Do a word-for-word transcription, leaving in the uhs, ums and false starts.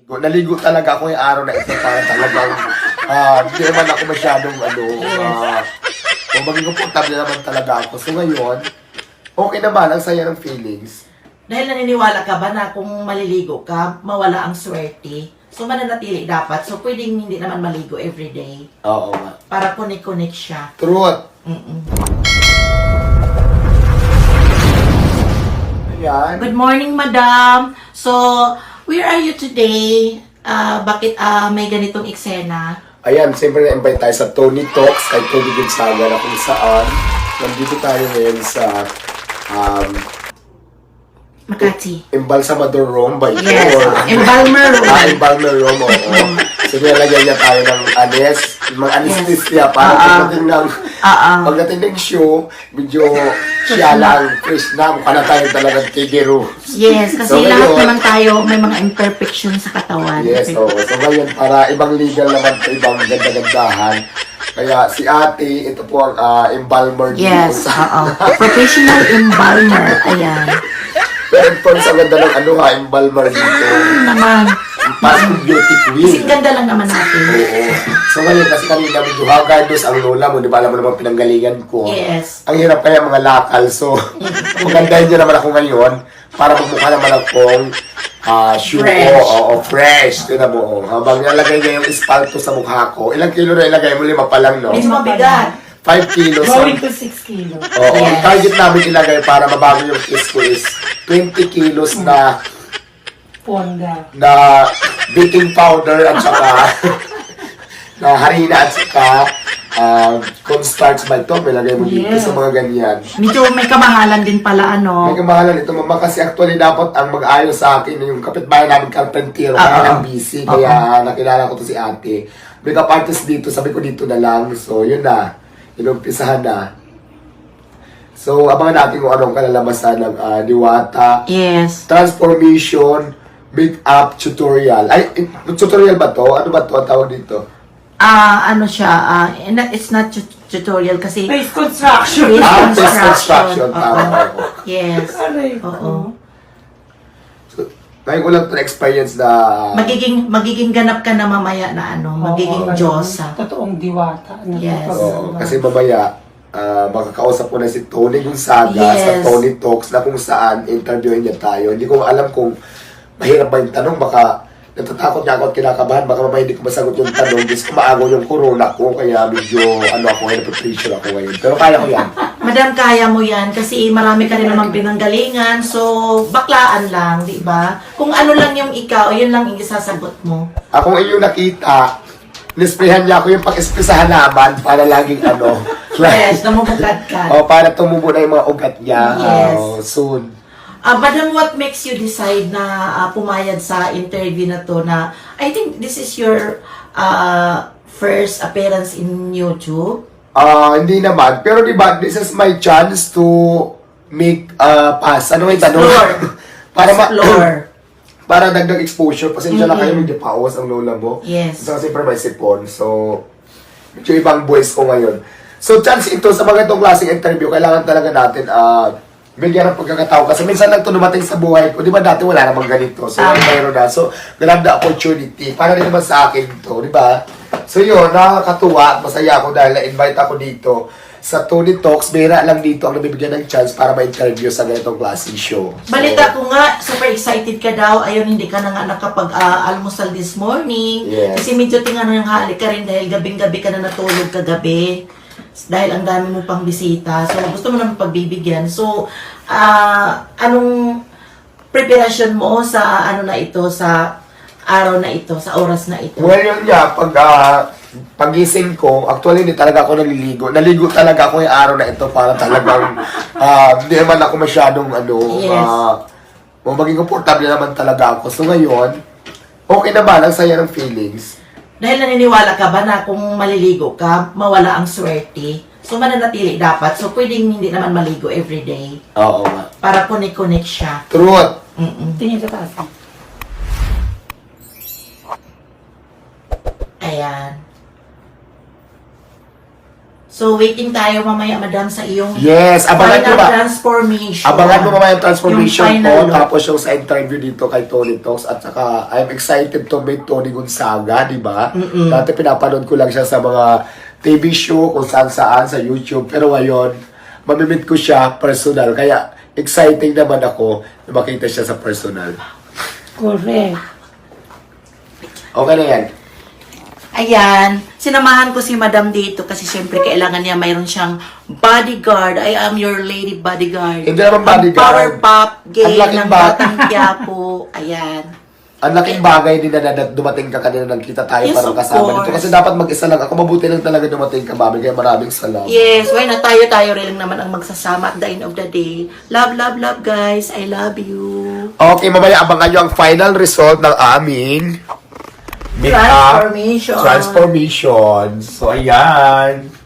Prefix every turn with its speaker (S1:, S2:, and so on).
S1: Naligo, naligo talaga ako yung araw na ito para talagang ah, hindi naman ako masyadong ano, ah, o maging komportable naman talaga ako. So ngayon, okay naman, ang saya ng feelings.
S2: Dahil naniniwala ka ba na kung maliligo ka, mawala ang swerte? So mananatili dapat. So pwedeng hindi naman maligo everyday.
S1: Oo nga.
S2: Para connect-connect siya.
S1: Truth.
S2: Mm-mm.
S1: Ayan.
S2: Good morning, madam. So, where are you today? Ah, bakit ah, may ganitong eksena?
S1: Ayan, siyempre na-invite tayo sa Tony Talks kay Tony Gonzaga na kung saan nandito tayo ngayon sa um,
S2: Makati.
S1: Embalsamador Room by
S2: Yes.
S1: or
S2: Embalmer room.
S1: Ah, Embalmer Room, oo. So, nilalagyan niya tayo ng anes, mga anesthesia para
S2: Ah, ah.
S1: pagdating ng
S2: Ah, ah.
S1: pagdating ng show, medyo siya lang, fresh na, mukha na tayo talagang tigero.
S2: Yes, kasi
S1: So,
S2: lahat
S1: ngayon-
S2: naman tayo may mga imperfection sa katawan.
S1: Yes, oo. So ngayon, para ibang legal naman ito, ibang ganda-gandahan. Kaya si ate, ito po ang ah, embalmer dito.
S2: Yes, oo. Professional embalmer. Ayan.
S1: Pero ito, sa ganda ng ano ha, embalmer dito.
S2: Naman.
S1: Parang beauty
S2: Kasi
S1: queen.
S2: ganda lang naman natin.
S1: Oo. So ngayon, kasi kanina medyo hagardos ang lola mo, di ba alam mo naman pinanggalingan ko.
S2: Yes.
S1: Ang hirap kaya mga lakal. So, magandahin niyo naman ako ngayon para magmukha naman akong ah shoe
S2: Fresh.
S1: ko. Oo, fresh. Tignan mo. Oh. Habang nalagay niya yung espalto sa mukha ko, ilang kilo na ilagay mo? Lima pa lang, no?
S2: Medyo mabigat.
S1: five kilos.
S3: Going to six kilos.
S1: Oo, ang
S2: Yes.
S1: target namin ilagay para mabago yung kiss ko is twenty kilos na
S3: Ponda.
S1: na baking powder at saka na harina at saka uh, cornstarch ba ito? May lagay mo dito
S3: Yes.
S1: sa mga ganyan.
S2: Medyo may kamahalan din pala, ano.
S1: May kamahalan ito, mama, kasi actually dapat ang mag-ayos sa akin yung kapitbahay namin carpentero, kaya
S2: Oo.
S1: lang busy, kaya nakilala ko to si ate. Makeup artist dito, sabi ko dito na lang, so yun na, inumpisahan na. So, abangan natin kung anong kalalabasan ng ah, Diwata
S2: Yes.
S1: Transformation Makeup Tutorial. Ay, eh, tutorial ba to? Ano ba to ang tawag dito?
S2: Ah, ano siya, ah, not- it's not tu- tutorial kasi
S3: Face construction.
S2: Face
S1: Ah, face
S2: construction.
S1: construction. Tama
S2: Oo.
S1: ako.
S2: Yes.
S3: Aray ko.
S2: Oo.
S1: So, ngayon ko lang to experience na
S2: Magiging magiging ganap ka na mamaya na ano, magiging
S3: Oo,
S2: Diyosa.
S3: Totoong diwata. na
S2: Yes.
S3: kapag-
S1: Oo, kasi mamaya, ah, makakausap ko na si Tony Gonzaga sa
S2: Yes.
S1: Tony Talks na kung saan interviewin niya tayo. Hindi ko alam kung mahirap ba yung tanong. Baka natatakot niya ako at kinakabahan. Baka mamaya hindi ko masagot yung tanong. Kasi kumaagaw yung corona ko. Kaya medyo ano ako ngayon, pressure ako ngayon. Pero kaya ko yan.
S2: Madam, kaya mo yan kasi marami ka rin naman pinanggalingan. So, baklaan lang, di ba? Kung ano lang yung ikaw, yun lang yung isasagot mo.
S1: Ako inyong nakita, nisprehan niya ako yung pag-spray sa halaman para laging ano.
S2: Yes, namumugad ka.
S1: O, para tumubo na yung mga ugat niya.
S2: Yes.
S1: Oh, soon.
S2: Ah, madam, what makes you decide na ah, pumayag sa interview na to na I think this is your ah, first appearance in YouTube?
S1: Ah, hindi naman. Pero di ba, this is my chance to make uh, pass. Ano yung tanong?
S2: Explore.
S1: para ma
S2: Explore.
S1: para dagdag exposure. Pasensya na
S2: Mhm.
S1: kayo, medyo pawas ang lola mo.
S2: Yes.
S1: So, kasi siyempre may sipon. So, medyo ibang voice ko ngayon. So, chance ito sa mga itong klaseng interview, kailangan talaga natin ah bigyan ng pagkakatao. Kasi minsan lang ito dumating sa buhay ko. Di ba dati wala namang ganito. So,
S2: Ah.
S1: mayroon na. So, grab the opportunity. Para rin naman sa akin ito. Di ba? So, yun. Nakakatuwa. Masaya ako dahil na-invite ako dito sa Tony Talks. Bira lang dito ang nabibigyan ng chance para ma-interview sa ganitong klaseng show. So,
S2: Balita ko nga, super excited ka daw. Ayun, hindi ka na nga nakapag-almusal this morning.
S1: Yes.
S2: Kasi medyo tingnan yung halik ka rin dahil gabing-gabi ka na natulog kagabi. Dahil ang dami mo pang bisita. So, gusto mo naman pagbibigyan. So, ah anong preparation mo sa ano na ito, sa araw na ito, sa oras na ito?
S1: Well, yun nga, pag ah, pagising ko, actually hindi talaga ako naliligo. Naligo talaga ako yung araw na ito para talagang ah, hindi naman ako masyadong ano,
S2: Yes.
S1: ah, o maging komportable naman talaga ako. So ngayon, okay naman, ang saya ng feelings.
S2: Dahil naniniwala ka ba na kung maliligo ka, mawala ang swerte? So, mananatili dapat. So, pwedeng hindi naman maligo everyday.
S1: Oo nga.
S2: Para connect-connect siya.
S1: Truth.
S2: Mm-mm.
S3: Tingin sa taas.
S2: Ayan. So, waiting tayo mamaya, madam, sa iyong
S1: Yes, abangan nyo
S2: final
S1: ba?
S2: transformation.
S1: Abangan mo mamaya yung transformation
S2: Yung
S1: ko,
S2: final look.
S1: tapos yung sa interview dito kay Tony Talks, at saka I'm excited to meet Tony Gonzaga, di ba? Dati pinapanood ko lang siya sa mga T V show, kung saan saan, sa YouTube, pero ngayon, mamimit ko siya personal, kaya exciting naman ako na makita siya sa personal.
S3: Correct.
S1: Okay na yan.
S2: Ayan, sinamahan ko si madam dito kasi syempre kailangan niya mayroon siyang bodyguard. I am your lady bodyguard.
S1: Hindi naman bodyguard.
S2: Ang power pop gay
S1: Ang laking
S2: ng
S1: ba-
S2: Batang Quiapo. Ayan.
S1: Ang laking bagay din na na- dumating ka kanina, nagkita tayo
S2: Yes,
S1: para
S2: of
S1: kasama dito.
S2: course.
S1: Kasi dapat mag-isa lang ako. Mabuti lang talaga dumating ka, mami. Kaya maraming salamat.
S2: Yes, why na tayo-tayo rin naman ang magsasama at the end of the day. Love, love, love guys. I love you.
S1: Okay, mamaya abangan nyo ang final result ng aming make-up
S2: Transformation.
S1: transformation. So, ayan.